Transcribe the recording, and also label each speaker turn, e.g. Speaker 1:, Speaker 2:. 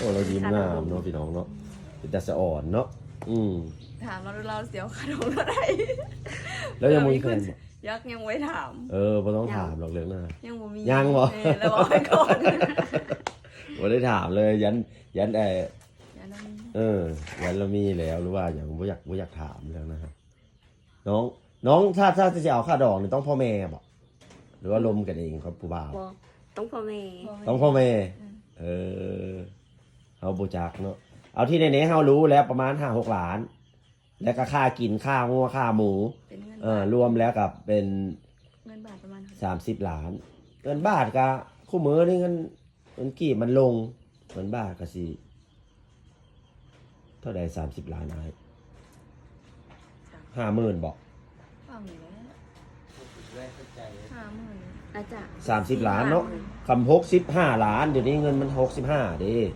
Speaker 1: เรายิ้มงามเนาะพี่น้องเนาะเป็นแต่สะอ่อนเนาะ
Speaker 2: ถามเราเสียวขนมอะไร
Speaker 1: แล้วยังมีแฟนบ่
Speaker 2: ยักยังไว้ถาม
Speaker 1: บ่ต้องถามหรอกเรื่องนั้น
Speaker 2: ยังบ่มี
Speaker 1: ยังบ่
Speaker 2: แล้วบอกไปก่อน
Speaker 1: บ่ได้ถามเลยยัน
Speaker 2: ยันนั้น
Speaker 1: ยันเรามีแล้วหรือว่าอย่างบ่อยากถามเรื่องนะครับน้องถ้าจะเอาค่าดอกนี่ต้องพ่อแม่บ่หรือว่าลมกันเองครับผู้บ่าว
Speaker 3: บ่ต้องพ่อแม่
Speaker 1: ต้องพ่อแม่เอาบูจักเนาะเอาที่ในนี้เฮารู้แล้วประมาณ5-6 ล้าน แล้วก็ค่ากินค่างัวค่าหมู
Speaker 2: เป็นเงิน
Speaker 1: รวมแล้วกับเป็น
Speaker 2: เงินบาทประมาณ
Speaker 1: 30 ล้านเงินบาทก็คู่มือนี่เงินกี่มันลงเงินบาทก็สิเท่าใด30 ล้านอ้าย50,000บอก
Speaker 2: ฟังอยู่แล้ว50,000
Speaker 3: อาจจะ
Speaker 1: 30 ล้านเนาะคำ65 ล้านเดี๋ยวนี้เงินมัน65เด้